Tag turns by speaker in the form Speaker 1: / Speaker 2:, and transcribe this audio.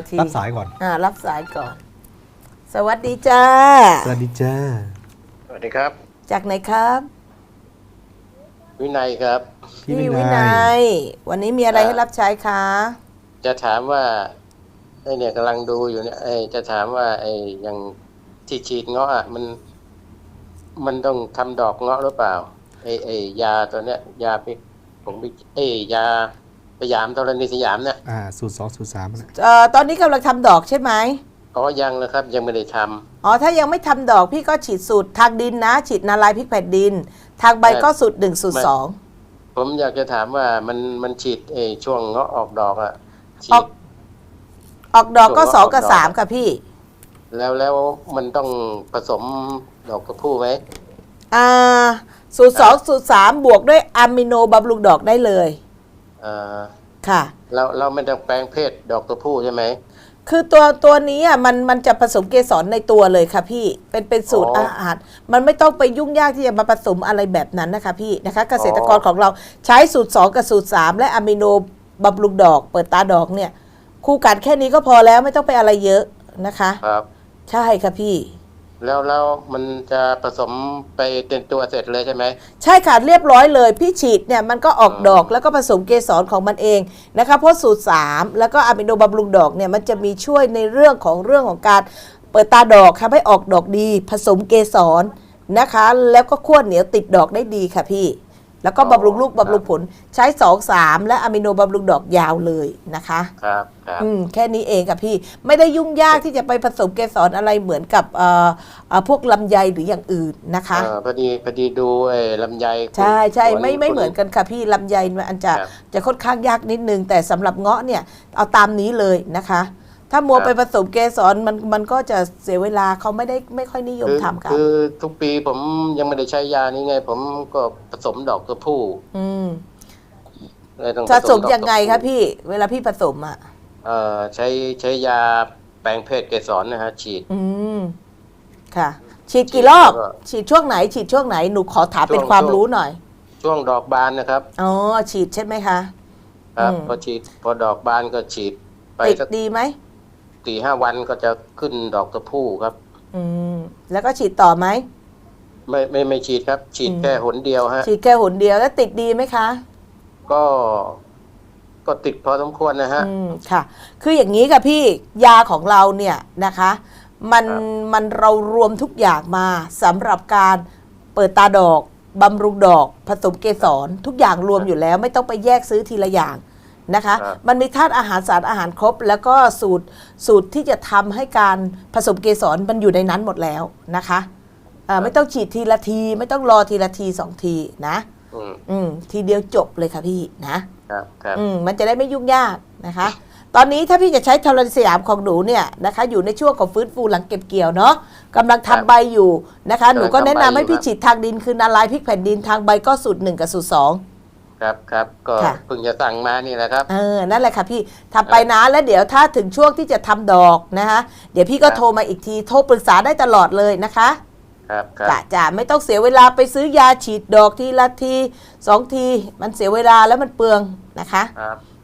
Speaker 1: ที
Speaker 2: รับสายก่อน
Speaker 1: รับสายก่อน สวัสดีจ้า
Speaker 2: สวัสดีจ้า
Speaker 3: สวัสดีครับ
Speaker 1: จากไหนครับ
Speaker 3: วินัยครับ
Speaker 2: พี่
Speaker 1: วิ
Speaker 2: วิ
Speaker 1: นั
Speaker 2: นัย
Speaker 1: ยวันนี้มีอะไรให้รับใช้คะ
Speaker 3: จะถามว่าไอ้เนี่ยกำลังดูอยู่เนี่ยจะถามว่าไอ้อย่างที่ฉีดเงาะอ่ะมันต้องทำดอกเงาะหรือเปล่าไอ้ยาตัวเนี้ยยาพิผมไปยาพยามธรณีสยามเนี่ย
Speaker 2: สูตร 2 สูตร 3นะ
Speaker 1: ตอนนี้กำลังทำดอกใช่ไหม
Speaker 3: อ๋อยังเลยครับยังไม่ได้ทำ
Speaker 1: อ๋อถ้ายังไม่ทำดอกพี่ก็ฉีดสูตรทางดินนะ ฉีดนาลายพริกแผ่นดิน ทางใบก็สูตร1 สูตร 2
Speaker 3: ผมอยากจะถามว่ามันฉีดช่วงเงาะออกดอกอ่ะฉี
Speaker 1: ออก
Speaker 3: ด
Speaker 1: ออกดอกก็
Speaker 3: สูตร
Speaker 1: 2 กับ
Speaker 3: ออกดอก
Speaker 1: 3ค่ะพี่
Speaker 3: แล้วมันต้องผสมดอกกระพู่ไหม
Speaker 1: สูตร 2 สูตร 3 บวกด้วยอะมิโนบำรุงดอกได้เลย
Speaker 3: อ่า
Speaker 1: ค่ะ
Speaker 3: เราไม่ต้องแปลงเพศดอกกระพู่ใช่ไหม
Speaker 1: คือตัวนี้อ่ะมันจะผสมเกสรในตัวเลยค่ะพี่เป็นสูตร
Speaker 3: อ๋อ
Speaker 1: อาหารมันไม่ต้องไปยุ่งยากที่จะมาผสมอะไรแบบนั้นนะคะพี่นะคะ เกษตรกร
Speaker 3: อ๋อ
Speaker 1: ของเราใช้สูตร 2 กับสูตร 3 และอะมิโนบำรุงดอกเปิดตาดอกเนี่ยคู่กันแค่นี้ก็พอแล้วไม่ต้องไปอะไรเยอะนะคะ
Speaker 3: ครับ
Speaker 1: ใช่ค่ะพี่
Speaker 3: แล้วมันจะผสมไปเป็นตัวเสร็จเลยใช่ไหม
Speaker 1: ใช่ค่ะเรียบร้อยเลยพี่ฉีดเนี่ยมันก็ออกดอกแล้วก็ผสมเกสรของมันเองนะคะเพราะสูตร 3 แล้วก็อะมิโนบำรุงดอกเนี่ยมันจะมีช่วยในเรื่องของการเปิดตาดอกทำให้ออกดอกดี ผสมเกสรนะคะแล้วก็ขั้วเหนียวติดดอกได้ดีค่ะพี่แล้วก็บำรุงลูกบำรุงผลใช้ 2 3 และอะมิโนบำรุงดอกยาวเลยนะคะ
Speaker 3: ครับครับ
Speaker 1: แค่นี้เองค่ะพี่ไม่ได้ยุ่งยากที่จะไปผสมเกสรอะไรเหมือนกับพวกลำไยหรืออย่างอื่นนะคะ
Speaker 3: พอดีดูลำไย
Speaker 1: ใช่ใช่
Speaker 3: คุณ
Speaker 1: ไม่เหมือนกันค่ะพี่ลำไยมันจะ
Speaker 3: ครับ
Speaker 1: จะค่อนข้างยากนิดนึงแต่สำหรับเงาะเนี่ยเอาตามนี้เลยนะคะ ถ้ามัว
Speaker 3: ครับ
Speaker 1: ไปผสมเกสรมันก็จะเสียเวลาเขาไม่ค่อยนิยมทำกัน
Speaker 3: คือทุกปีผมยังไม่ได้ใช้ยานี้ไง ผมก็ผสมดอกกระพู่
Speaker 1: อืม
Speaker 3: เลยต้อง
Speaker 1: ผสม
Speaker 3: ดอก
Speaker 1: ยังไง
Speaker 3: กระ
Speaker 1: คะ
Speaker 3: พู่
Speaker 1: พี่เวลาพี่ผสมอ่ะ
Speaker 3: ใช้ยาแปลงเพศเกสรนะฮะฉีด
Speaker 1: อืมค่ะ ฉีดกี่รอบ
Speaker 3: แล้วก็
Speaker 1: ฉีดช่วงไหน ฉีดช่วงไหนหนูขอถามเป็นความรู้หน่อย
Speaker 3: ช่วงดอกบานนะครับ
Speaker 1: อ๋อฉีดใช่ไหมคะ
Speaker 3: ครับ
Speaker 1: อืม
Speaker 3: พอดอกบานก็ฉีดไป
Speaker 1: ติด
Speaker 3: สัก
Speaker 1: ดีไหม
Speaker 3: 4-5 วันก็จะขึ้นดอกกระพู่ครับ
Speaker 1: อืมแล้วก็ฉีดต่อไหม
Speaker 3: ไม่ฉีดครับ ฉีดแค่หนเดียวฮะ
Speaker 1: ฉีดแค่หนเดียวแล้วติดดีไหมคะ
Speaker 3: ก็ติดพอสมควรนะฮะ
Speaker 1: ค่ะ คืออย่างนี้ค่ะพี่ยาของเราเนี่ยนะคะมัน
Speaker 3: ครับ
Speaker 1: มันเรารวมทุกอย่างมาสำหรับการเปิดตาดอกบำรุงดอกผสมเกสรทุกอย่างรวมอยู่แล้วไม่ต้องไปแยกซื้อทีละอย่างนะคะ
Speaker 3: ครับ
Speaker 1: มันมีธาตุอาหารสารอาหารครบ แล้วก็สูตรที่จะทำให้การผสมเกสรมันอยู่ในนั้นหมดแล้วนะคะไม่ต้องฉีดทีละที ไม่ต้องรอทีละที2 ทีนะ ทีเดียวจบเลยค่ะพี่นะครับ มันจะได้ไม่ยุ่งยากนะคะ ตอนนี้ถ้าพี่จะใช้ธรณีสยามของหนูเนี่ยนะคะอยู่ในช่วงของฟื้นฟูหลังเก็บเกี่ยวเนาะกำลัง
Speaker 3: ครับ
Speaker 1: ทำใบอยู่นะคะหนูก็แนะนำให้พี่
Speaker 3: ครับ
Speaker 1: ฉีดทางดินคือนาลายพริกแผ่นดินทางใบก็สูตร 1 กับสูตร 2
Speaker 3: ครับก็
Speaker 1: ค่ะ
Speaker 3: เพิ่งจะสั่งมานี่แหละครับ
Speaker 1: นั่นแหละค่ะพี่ทำไปนะแล้วเดี๋ยวถ้าถึงช่วงที่จะทำดอกนะคะเดี๋ยวพี่ก็
Speaker 3: ครับ
Speaker 1: โทรมาอีกทีโทรปรึกษาได้ตลอดเลยนะคะ
Speaker 3: ครับ
Speaker 1: จ้ะไม่ต้องเสียเวลาไปซื้อยาฉีดดอกทีละที2 ทีมันเสียเวลาแล้วมันเปลืองนะคะ
Speaker 3: ครับ